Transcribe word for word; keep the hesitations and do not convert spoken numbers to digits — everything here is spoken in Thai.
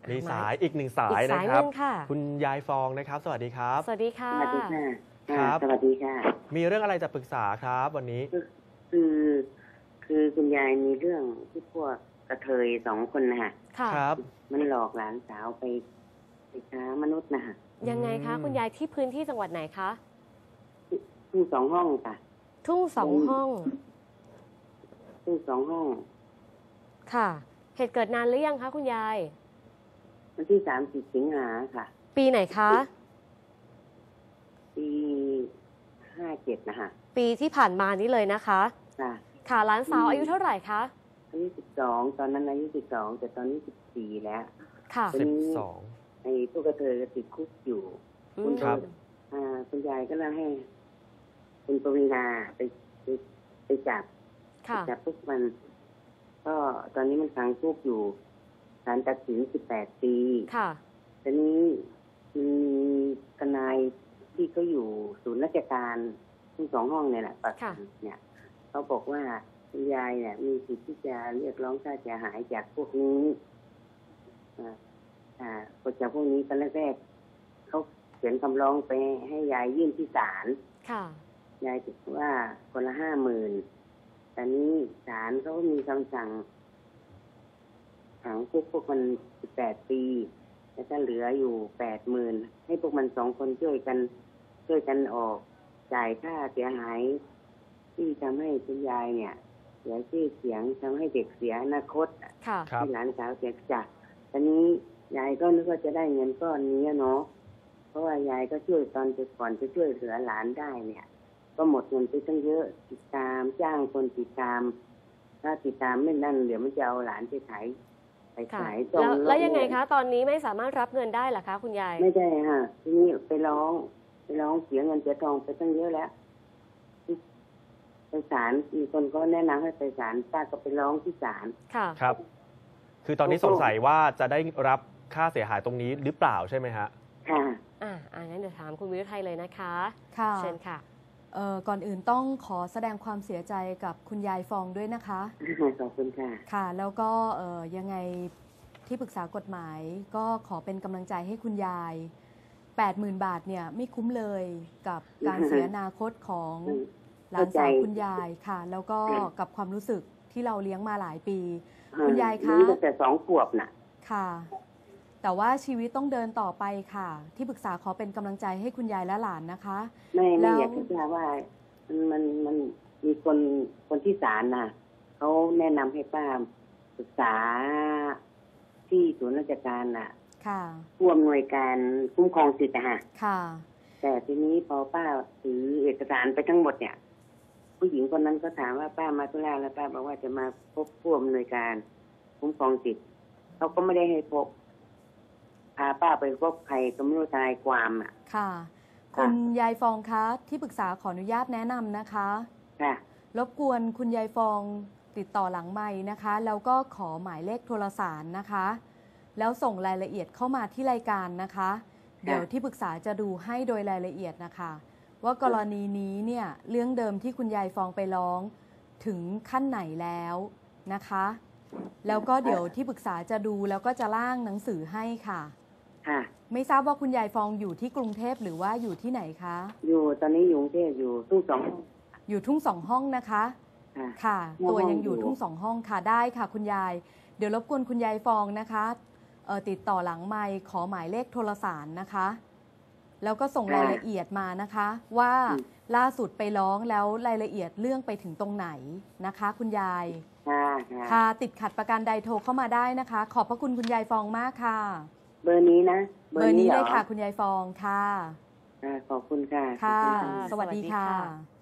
มีสายอีกหนึ่งสายนะครับคุณยายฟองนะครับสวัสดีครับสวัสดีค่ะสวัสดีค่ะครับสวัสดีค่ะมีเรื่องอะไรจะปรึกษาครับวันนี้คือคือคุณยายมีเรื่องที่พวกกระเทยสองคนนะฮะครับมันหลอกหลานสาวไปไปค้ามนุษย์นะฮะยังไงคะคุณยายที่พื้นที่จังหวัดไหนคะทุ่งสองห้องค่ะทุ่งสองห้องทุ่งสองห้องค่ะเหตุเกิดนานหรือยังคะคุณยายวันที่สามสิบสิงหาค่ะปีไหนคะปีห้าเจ็ดนะฮะปีที่ผ่านมานี้เลยนะคะค่ะค่ะหลานสาวอายุเท่าไหร่คะอายุสิบสองตอนนั้นอายุสิบสองแต่ตอนนี้สิบสี่แล้วค่ะสิบสองไอ้พวกกระเทยก็ติดคุกอยู่คุณครับอ่าคุณยายก็เลยให้คุณปวีณาไปไปไปจับจับพวกมันก็ตอนนี้มันขังคุกอยู่ศาลตัดสินสิบแปดปีค่ะตอนนี้มีทนายที่เขาอยู่ศูนย์ราชการทั้งสองห้องเนี่ยแหละประกันเนี่ยเขาบอกว่าคุณยายเนี่ยมีสิทธิ์ที่จะเรียกร้องค่าเสียหายจากพวกนี้อ่าอ่าจากพวกนี้ตอนแรกๆเขาเขียนคำร้องไปให้ยายยื่นที่ศาลค่ะยายบอกว่าคนละห้าหมื่นแต่นี้ศาลเขาก็มีคำสั่งขังคุกพวกมันสิบแปดปีแล้วก็เหลืออยู่แปดหมื่นให้พวกมันสองคนช่วยกันช่วยกันออกจ่ายค่าเสียหายที่ทำให้คุณยายเนี่ยเสียชื่อเสียงทำให้เด็กเสียอนาคตที่หลานสาวเสียจากตอนนี้ยายก็นึกว่าจะได้เงินก้อนนี้เนาะเพราะว่ายายก็ช่วยตอนจะก่อนจะช่วยเหลือหลานได้เนี่ยก็หมดเงินไปตั้งเยอะติดตามจ้างคนติดตามถ้าติดตามไม่นั่นเดี๋ยวมันจะเอาหลานไปขายไปขายตรงแล้วยังไงคะตอนนี้ไม่สามารถรับเงินได้หรอคะคุณยายไม่ได้ค่ะทีนี้ไปร้องไปร้องเสียเงินเสียทองไปตั้งเยอะแล้วไปศาลมีคนก็แนะนำให้ไปศาลป้าก็ไปร้องที่ศาลค่ะครับคือตอนนี้สงสัยว่าจะได้รับค่าเสียหายตรงนี้หรือเปล่าใช่ไหมฮะค่ะอ่าอ่างั้นเดี๋ยวถามคุณวิรุไทยเลยนะคะค่ะเชิญค่ะเอ่อก่อนอื่นต้องขอแสดงความเสียใจกับคุณยายฟองด้วยนะคะขอบคุณค่ะค่ะแล้วก็เอ่อยังไงที่ปรึกษากฎหมายก็ขอเป็นกำลังใจให้คุณยาย แปดหมื่น บาทเนี่ยไม่คุ้มเลยกับการเสียอนาคตของหลานสาวคุณยายค่ะแล้วก็กับความรู้สึกที่เราเลี้ยงมาหลายปีคุณยายคะตั้งแต่สองขวบน่ะค่ะแต่ว่าชีวิตต้องเดินต่อไปค่ะที่ปรึกษาขอเป็นกำลังใจให้คุณยายและหลานนะคะไม่ไม่อยากจะทราบว่ามันมันมันมีคนคนที่ศาลน่ะเขาแนะนำให้ป้าศึกษาที่ศูนย์ราชการน่ะค่ะผู้อำนวยการคุ้มครองสิทธิ์นะฮะค่ะแต่ทีนี้พอป้าถือเอกสารไปทั้งหมดเนี่ยผู้หญิงคนนั้นก็ถามว่าป้ามาธุระแล้วป้าบอกว่าจะมาพบผู้อำนวยการคุ้มครองสิทธิ์เขาก็ไม่ได้ให้พบพาป้าไปพบใครก็ไม่รู้ทนายความอ่ะค่ะคุณยายฟองคะที่ปรึกษาขออนุญาตแนะนำนะคะค่ะรบกวนคุณยายฟองติดต่อหลังไมค์นะคะแล้วก็ขอหมายเลขโทรศัพท์นะคะแล้วส่งรายละเอียดเข้ามาที่รายการนะคะเดี๋ยวที่ปรึกษาจะดูให้โดยรายละเอียดนะคะว่ากรณีนี้เนี่ยเรื่องเดิมที่คุณยายฟองไปร้องถึงขั้นไหนแล้วนะคะแล้วก็เดี๋ยวที่ปรึกษาจะดูแล้วก็จะร่างหนังสือให้ค่ะค่ะไม่ทราบว่าคุณยายฟองอยู่ที่กรุงเทพหรือว่าอยู่ที่ไหนคะอยู่ตอนนี้อยู่กรุงเทพอยู่ทุ่งสองอยู่ทุ่งสองห้องนะคะค่ะตัวยังอยู่ทุ่งสองห้องค่ะได้ค่ะคุณยายเดี๋ยวรบกวนคุณยายฟองนะคะเอ่อติดต่อหลังไมค์ขอหมายเลขโทรศัพท์นะคะแล้วก็ส่งรายละเอียดมานะคะว่าล่าสุดไปร้องแล้วรายละเอียดเรื่องไปถึงตรงไหนนะคะคุณยายค่ะติดขัดประการใดโทรเข้ามาได้นะคะขอบพระคุณคุณยายฟองมากค่ะเบอร์นี้นะเบอร์นี้เลยค่ะคุณยายฟองค่ะขอบคุณค่ะค่ะสวัสดีค่ะ